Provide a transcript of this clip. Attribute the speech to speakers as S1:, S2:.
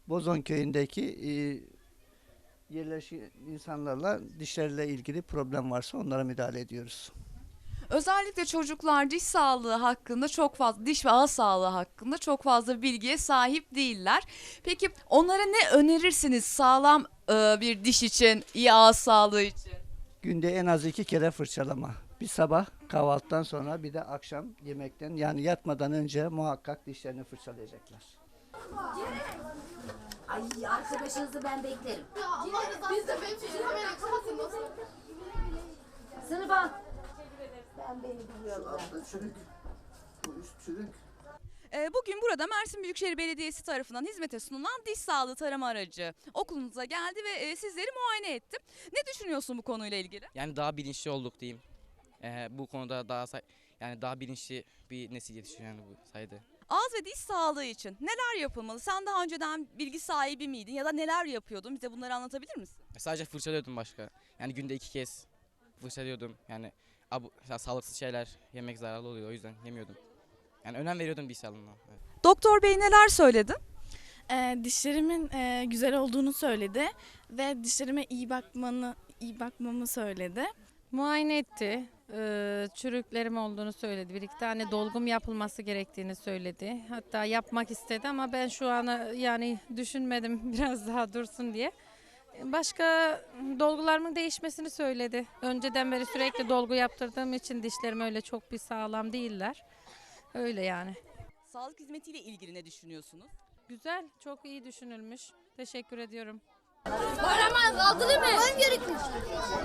S1: Bozon köyündeki yerleşik insanlarla dişlerle ilgili problem varsa onlara müdahale ediyoruz.
S2: Özellikle çocuklar diş sağlığı hakkında çok fazla, diş ve ağız sağlığı hakkında çok fazla bilgiye sahip değiller. Peki onlara ne önerirsiniz sağlam bir diş için, iyi ağız sağlığı için?
S1: Günde en az 2 kere fırçalama. Bir sabah kahvaltıdan sonra bir de akşam yemekten yani yatmadan önce muhakkak dişlerini fırçalayacaklar.
S3: Ay arkadaşınızı ben beklerim.
S4: Biz de bekliyoruz. Hemen kapatın.
S3: Sınıfa. Ben beni biliyorum.
S1: Çürük. Bu üst çürük.
S2: Bugün burada Mersin Büyükşehir Belediyesi tarafından hizmete sunulan diş sağlığı tarama aracı okulumuza geldi ve sizleri muayene etti. Ne düşünüyorsun bu konuyla ilgili?
S5: Yani daha bilinçli olduk diyeyim. Bu konuda yani daha bilinçli bir nesil yetişiyor yani bu sayede.
S2: Ağız ve diş sağlığı için neler yapılmalı? Sen daha önceden bilgi sahibi miydin ya da neler yapıyordun? Bize bunları anlatabilir misin?
S5: Sadece fırçalıyordum başka. Yani günde 2 kez fırçalıyordum. Yani sağlıksız şeyler yemek zararlı oluyor, o yüzden yemiyordum. Yani önem veriyordum diş sağlığına. Evet.
S2: Doktor bey neler söyledi?
S6: Dişlerimin güzel olduğunu söyledi ve dişlerime iyi bakmamı söyledi.
S7: Muayene etti. Çürüklerim olduğunu söyledi. Bir iki tane dolgum yapılması gerektiğini söyledi. Hatta yapmak istedi ama ben şu an yani düşünmedim biraz daha dursun diye. Başka dolgularımın değişmesini söyledi. Önceden beri sürekli dolgu yaptırdığım için dişlerim öyle çok bir sağlam değiller. Öyle yani.
S2: Sağlık hizmetiyle ilgili ne düşünüyorsunuz?
S7: Güzel, çok iyi düşünülmüş. Teşekkür ediyorum.
S4: Kahraman altılı mı?